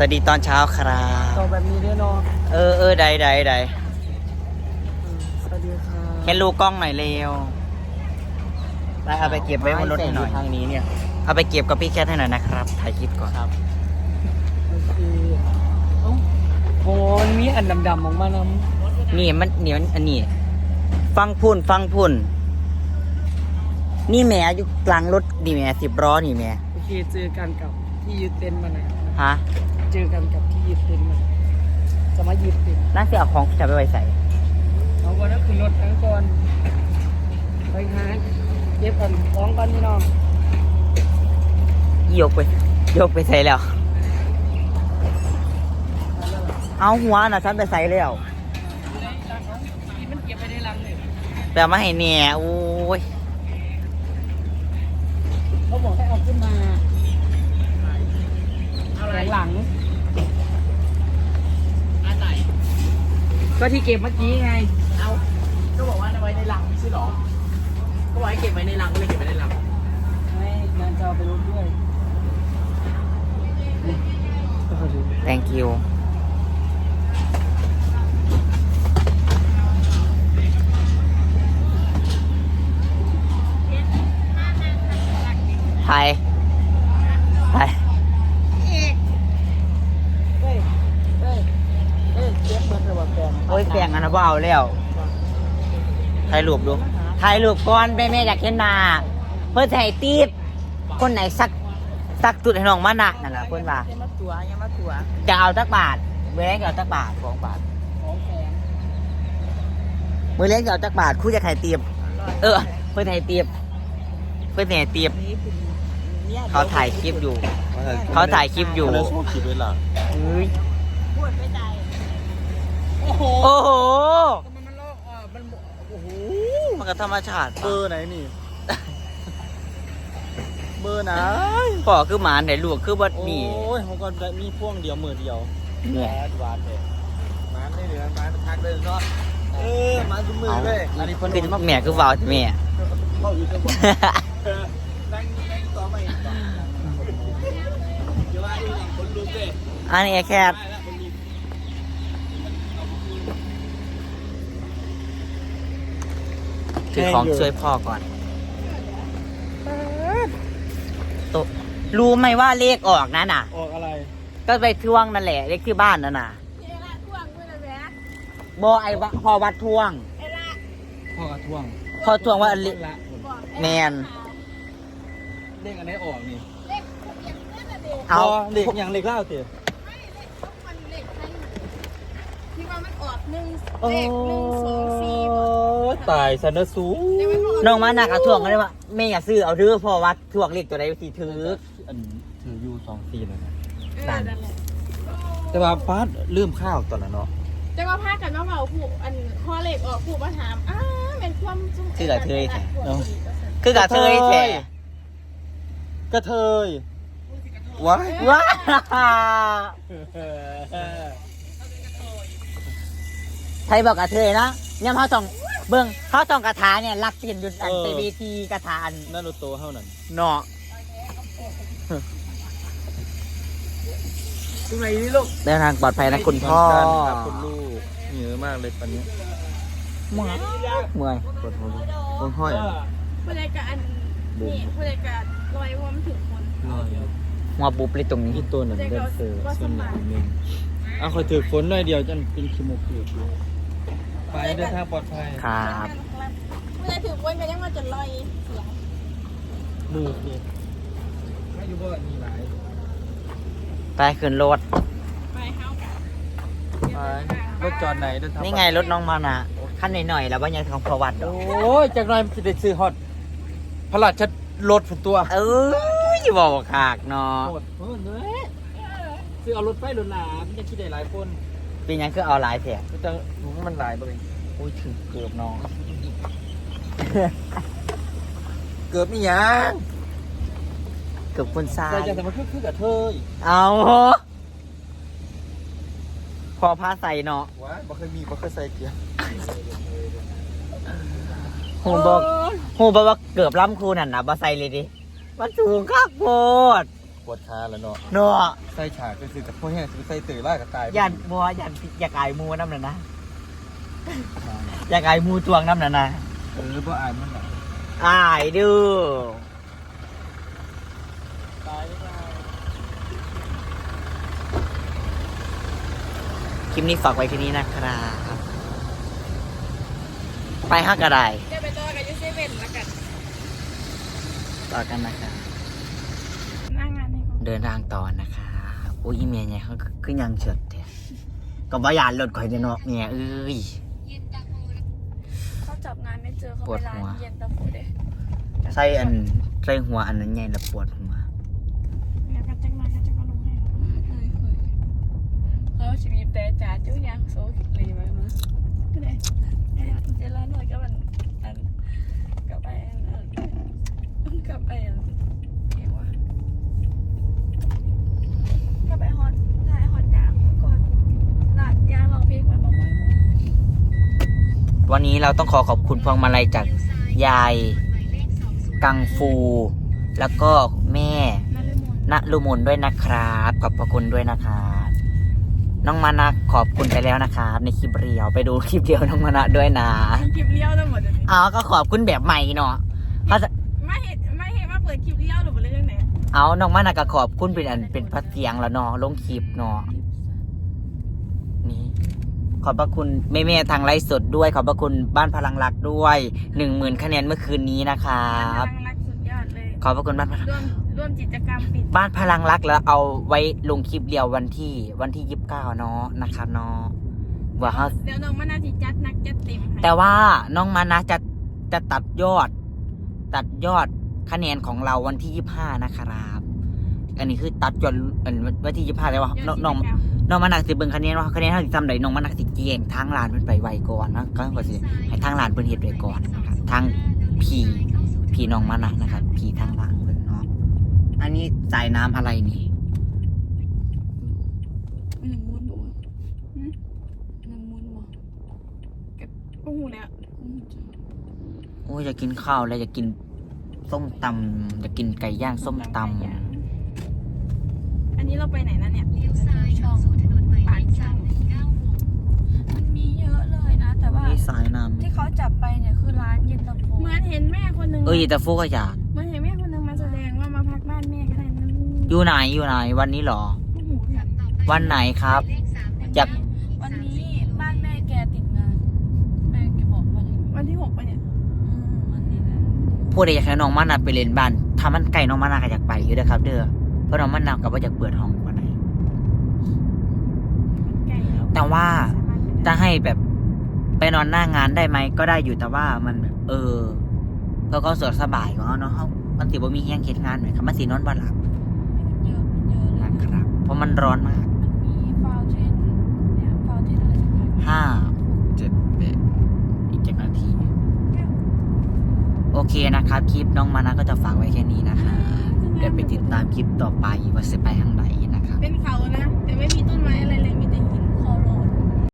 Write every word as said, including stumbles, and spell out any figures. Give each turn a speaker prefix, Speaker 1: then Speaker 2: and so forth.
Speaker 1: วัสดีตอนเช้าครับ
Speaker 2: ต่อแบบนี้ด้วยเนาะ
Speaker 1: เออเออใดใดใด
Speaker 2: สวัสดีค่ะ
Speaker 1: เห็นลูกกล้องหน่อยเร็วไปเอาไปเก็บไว้บนรถให้หน่อย
Speaker 2: ทางนี้เนี่ย
Speaker 1: เอาไปเก็บกับพี่แคทให้หน่อยนะครับถ่ายคลิปก่อนครับ
Speaker 2: โอเคเอ้าโอ้ยมีอันดำๆออกมานำ
Speaker 1: นี่มันนี่มันอันนี้ฟังพุ่นฟังพุ่นนี่แม่อยู่กลางรถดีแม่สิบล้อนี่แม่
Speaker 2: โอเคเจอกันกับที่ยึดเต็นท์มาหน่อย
Speaker 1: ฮะ
Speaker 2: เจอกันกับที่ยึดเต็นท์มาจะมายึดเต็นท์
Speaker 1: น่าจะเอาของจะไปไว้ใส่
Speaker 2: เอาวันนั้นคือรถทั้งก่อนไปหาเก็บกันของกันพี่น้อง
Speaker 1: ยกไปยกไปใส่แล้วเอาหัวน่ะฉันไปใส่แล้ว
Speaker 2: มันเก็บไปในรังเลย
Speaker 1: แต่มาให้เนี่ยโอ้ย
Speaker 2: เขาบอกให้เอาขึ้นมาหลังหลังอะไรก็ที่เก็บเมื่อกี้ไงเอาก็บอกว่าเอาไว้ในรังไม่ใช่หรอก็บอกให้เก็บไว้ในรังก็เลยเก็บไว้ในรังไม่งานจะเอาไปรถด้วย
Speaker 1: thank you ไทยไทย
Speaker 2: เฮ้ยเฮ้ยเฮ้ยเก็บเงินระหว่างแฟน
Speaker 1: โอ้ยแปลงอันนั้นบ่เอาแล้วถ่ายรูปดูถ่ายรูปก่อนแม่แม่อยากเห็นหน้าเพื่อถ่ายตีบคนไหนสักสักจุดให้น้องมาหนักนั่นแหละเพื่อนว่า
Speaker 2: ยังมาตัวยังมาตัว
Speaker 1: จะเอาจักบาทมือแรงจะเอาจักบาทสองบาท
Speaker 2: ของแพง
Speaker 1: มือแรงจะเอาจักบาทคู่จะถ่ายตีบเออเพื่อถ่ายตีบเพื่อถ่ายตีบเขาถ่ายคลิปอยู่เขาถ่ายคลิปอยู่
Speaker 3: แล้วช่วงคลิปเวลา
Speaker 1: เฮ้ย
Speaker 2: พูดไม่ใจโอ้โห
Speaker 1: โอ้โห
Speaker 2: มันมันโลกอ่ะมันโอ้โห
Speaker 1: มันก็ธรรมชาติ
Speaker 3: เบอร์ไหนนี่ เบอร์ไหน
Speaker 1: พ่อคือหมาไหนลูกคือบัดนี่
Speaker 3: โอ้ยเขาก็ได้มีพ่วงเดียวมือเดียว
Speaker 1: เนี่ย
Speaker 3: หวานเลยหวานได้เหลือหวานทักเลยเนาะเออหวานทุกมือเลยอันนี้คน
Speaker 1: คือแม่คือวาวแม่
Speaker 3: เข้าอยู่จังหวะนั่งนั่งต่อไปเดี๋ยวว่าอีกคนลุกเลย
Speaker 1: อันนี้แคบถือของช่วยพ่อก่อนโตรู้ไหมว่าเลขออกนะน่ะ
Speaker 3: ออกอะไร
Speaker 1: ก็ไปทวงนั่นแหละเลขที่บ้านนั่นน่ะบอไอ้พอวัดทวง
Speaker 3: พ่อกระท่วง
Speaker 1: พอทวงว่าเลขแมน
Speaker 3: เลขอันไหนออกนี่
Speaker 1: เอา
Speaker 3: เลขอย่างเลขเล่าเถอะ
Speaker 4: ที่ว่ามันออกหนึ่งเลขหนึ่งสองสี่
Speaker 3: ตายสันสู
Speaker 1: น้องมาหนักเอาทวงกันเลยว่าแม่อย่าซื้อเอาเด้อพอวัดทวงเลขตัวใดสีถือ
Speaker 3: อันถือยูสองสี่เลยนะ
Speaker 1: นั่น
Speaker 3: แต่ว่าฟาดลืมข้าวตอนนั้นเนาะ
Speaker 4: จะมาพากันมาเมาผู้อันข้อเลขออกผู้มาถามอ้าเป็นความจุ่ม
Speaker 1: คือกระเทยแท้คือกระเทยแท้
Speaker 3: กระเทยว้าย
Speaker 1: ว้าไทยบอกกระเทยนะเนี่ยเขาต้องเบิ้งเขาต้องกระถาเนี่ยรักเห็นยุดอันไปเวทีกระถาอัน
Speaker 3: นั่นโลโตเท่านั้น
Speaker 1: เนาะ
Speaker 2: ตรงไหนนี่ลูก
Speaker 1: เดินทางปลอดภัยนะคุณพ่อ
Speaker 3: คุณลูกเหนื่อยมากเลยตอนนี้
Speaker 1: เมื่อยเมื่อย
Speaker 3: ปวดหัวปวดห้อย
Speaker 4: ผู้ใดกับอันนี่ผู้ใดกับลอยว่ามันถึงคน
Speaker 3: ลอย
Speaker 1: หัวปุ๊บเลยตรงนี้
Speaker 3: ที่ตัวหนึ่งเดินเสือส่วนหนึ่งอ่ะคอยถือฝนหน่อยเดียวจนเป็นขี้มูกเปียกอยู่ไปเดินทางปลอดภัย
Speaker 1: ครับ
Speaker 4: ผู้ใดถือคนก็ยังมาจะลอยเสียง
Speaker 3: ลูกนี่ไม่อยู่บ่มีหลาย
Speaker 1: ไปขึ้นรถ
Speaker 4: ไปเข้ากัน
Speaker 3: รถจอดไหนเดินทาง
Speaker 1: นี่ไงรถน้องมานะขั้นหน่อยๆแล้วว่ายังของประวัติ
Speaker 3: โอ้ยจากหน่อยมันจะได้ซื้อฮอตพระราชรถฝนตัว
Speaker 1: เอออย่าบอกขากเนาะ
Speaker 3: เออเนื้อซื้อเอารถไฟรถหลามจะคิดได้หลายคน
Speaker 1: เป็นยังคือเอาหลายแผล
Speaker 3: แต่หนูมันหลายไป
Speaker 1: โอ้ยถึงเกือบน้อง
Speaker 3: เกือบมีอย่าง
Speaker 1: เกือบคนซ้าย
Speaker 3: แต่จะแต่มันคือคือกับเธอ
Speaker 1: เอาพอผ้าใส่เนาะ
Speaker 3: ว้าบ่เคยมีบ่เคยใส่เกียร์
Speaker 1: โหบอกโหบอกว่าเกือบล้ำครูนั่นนะบ่ใส่เลยดิมันสูงข้าโพด
Speaker 3: ปวดขาแล้วเนาะ
Speaker 1: เนาะ
Speaker 3: ใส่ฉากก็คือกับพวกแห้งคือใส่ตื่นล่ากับตาย
Speaker 1: ยันบัวยันอยากอายมูน้ำน่ะนะอยากอายมูจวงน้ำน่ะนะ
Speaker 3: เออเพราะอายมันแบบ
Speaker 1: อายดู
Speaker 3: ตายไม่ได้
Speaker 1: คลิปนี้ฝากไว้ที่นี้นะครับไปห้ากระได
Speaker 4: จะไปต่อกับยูเซเว่นแล้วกัน
Speaker 1: ต่อกันนะครับ
Speaker 4: หน้างานให้เขา
Speaker 1: เดินทางต่อนะคะอุ้ยอีเมียเนี่ยเขาขึ้นยังเฉิดแท้ก็บ่ยานรถข่อยเนาะเมียเอ้ย
Speaker 4: เขาจับงานไม่เจอเขา
Speaker 1: ปว
Speaker 4: ไป
Speaker 1: ด
Speaker 4: ร้า
Speaker 1: หั
Speaker 4: น
Speaker 1: ว
Speaker 4: เย็นตาโฟเด้
Speaker 1: ใส่อันใส่หัวอันนั้นใหญ่ละปวดหัว
Speaker 4: แล้วก็จังมาก็จะมาลงให้เขาชีวิตแต่จ่าจุ้ยยังโซ่เลยมามาก็ได้เจริญหน่อยก็มันอันกับไปอันกับไปอันเกี่ยวว่ากับไปฮอตถ่ายฮอตยางก่อนหลาดยางลองเพลงมาบอกว่า
Speaker 1: วันนี้เราต้องขอขอบคุณพวงมาลัยจากยายกังฟู แล้วก็แม่
Speaker 4: นั่นเลยมน
Speaker 1: ณลุมนด้วยนะครับขอบพระคุณด้วยนะครับน้องมานะขอบคุณไปแล้วนะครับในคลิปเรียวไปดูคลิปเดียวน้องมานะด้วยนะ
Speaker 4: คลิปเลี้ยวทั้งหมดเลย
Speaker 1: อ๋อก็ขอบคุณแบบใหม่เนาะเขาจะ
Speaker 4: ไม่เห็นไม่เห็นว่าเปิดคลิปเลี้ยวหรือเปล่าเรื่องไหน
Speaker 1: เอาน้องมานะก็ขอบคุณเป็นอันเป็นพัดเสียงแล้วเนาะลงคลิปเนาะนี่ขอบพระคุณแม่ๆทางไลฟ์สดด้วย ขอบพระคุณบ้านพลังรักด้วยหนึ่งหมื่นคะแนนเมื่อคืนนี้นะครับ
Speaker 4: กำลังรักสุดยอดเลย
Speaker 1: ขอบพระคุณบ้านพลัง
Speaker 4: ร่วมร่วมกิจกรรมปิด
Speaker 1: บ้านพลังรักแล้วเอาไว้ลงคลิปเดียววันที่วันที่ยี่สิบเก้าเนาะนะครับเนาะว่าเขา
Speaker 4: เดี๋ยวน้องมานาจิจัดนักจัดเต็มให้
Speaker 1: แต่ว่าน้องมานะจะจะตัดยอด ตัดยอดคะแนนของเราวันที่ยี่สิบห้านะครับอันนี้คือตัดยอดอันวันที่ยี่สิบห้าแต่ว่าน้องน้องน้องมานะสิเบิ่งคะแนนว่าคะแนนเท่าที่ทำได้น้องมานะสิเก่งทางร้านเพิ่นไปไวก่อนนะก็ก็สิให้ทางร้านเพิ่นเฮ็ดไว้ก่อนนะครับทางพี่พี่น้องมานะนะครับพี่ทางร้านเพิ่นเนาะอันนี้สายน้ำอะไรนี่
Speaker 4: หนึ่งมูนบอกว่าหนึ่งมูนบอกกับโอ้โหเนี่ย
Speaker 1: โอ้ยอยากกินข้าวแล้วอยากกินส้มตำอยากกินไก่ย่างส้มตำ
Speaker 4: อันนี้เราไปไหนนะเนี่ย
Speaker 5: เลี้ยวซ้ายเข้าสู่ถนนหมายเลขสามหนึ่งเก้าหก
Speaker 4: มันมีเยอะเลยนะ แต่ว่า
Speaker 1: นี่สายน้
Speaker 5: ที่เขาจับไปเนี่ยคือร้านเย็นตาโฟ
Speaker 4: เหมือนเห็นแม่คนหนึ่ง
Speaker 1: ำเอ้ยแต่ฟูก็อยาก
Speaker 4: เหมือนเห็นแม่คนหนึ่งมาแสดงว่ามาพักบ้านแม่ก็ได้นั่น
Speaker 1: อยู่ไหนอยู่ไหนวันนี้เหรอ
Speaker 4: โอ้โหเนี่ย
Speaker 1: วันไหนครับ
Speaker 5: เลขสามหนึ่ง
Speaker 1: อยาก
Speaker 5: วันนี้บ้านแม่แกติดงาน แม่แกบอกว่าอย่างนี้
Speaker 4: วันที่หกไปเนี่ย
Speaker 5: อืมวันนี้นะ
Speaker 1: พูดได้อยากให้น้องมานาไปเล่นบ้านถ้ามันไก่น้องมานาก็อยากไปอยู่เด้อครับ เด้อเพราะน้องมานากับว่าอยากเปิดห้องวันไหน
Speaker 4: ไก่เรา
Speaker 1: แต่ว่าจะให้แบบไปนอนหน้างานได้ไหมก็ได้อยู่แต่ว่ามันแบบเออเพื่อก็สะดวกสบายของเขาเนาะเขามันติบ่มีแห้งเฮ็ดงานไหมครับมันสีนอนบ่หลับ
Speaker 5: มันเยอะมันเยอะเลย
Speaker 1: นะ
Speaker 5: นะครับ
Speaker 1: เพราะมันร้อนมาก
Speaker 5: มันมีฟาวเทนเนี่ยฟาวเทนอะไรสักอย่าง
Speaker 1: ห้าหกเจ็ดแปดอีกเจ็ดนาที โอเคนะครับ คลิปน้องมานะก็จะฝากไว้แค่นี้นะคะเดี๋ยวไปติดตามคลิปต่อไปว่าจะไปทางไหนนะครับ
Speaker 4: เป็นเขานะ แต่ไม่มีต้นไม้อะไร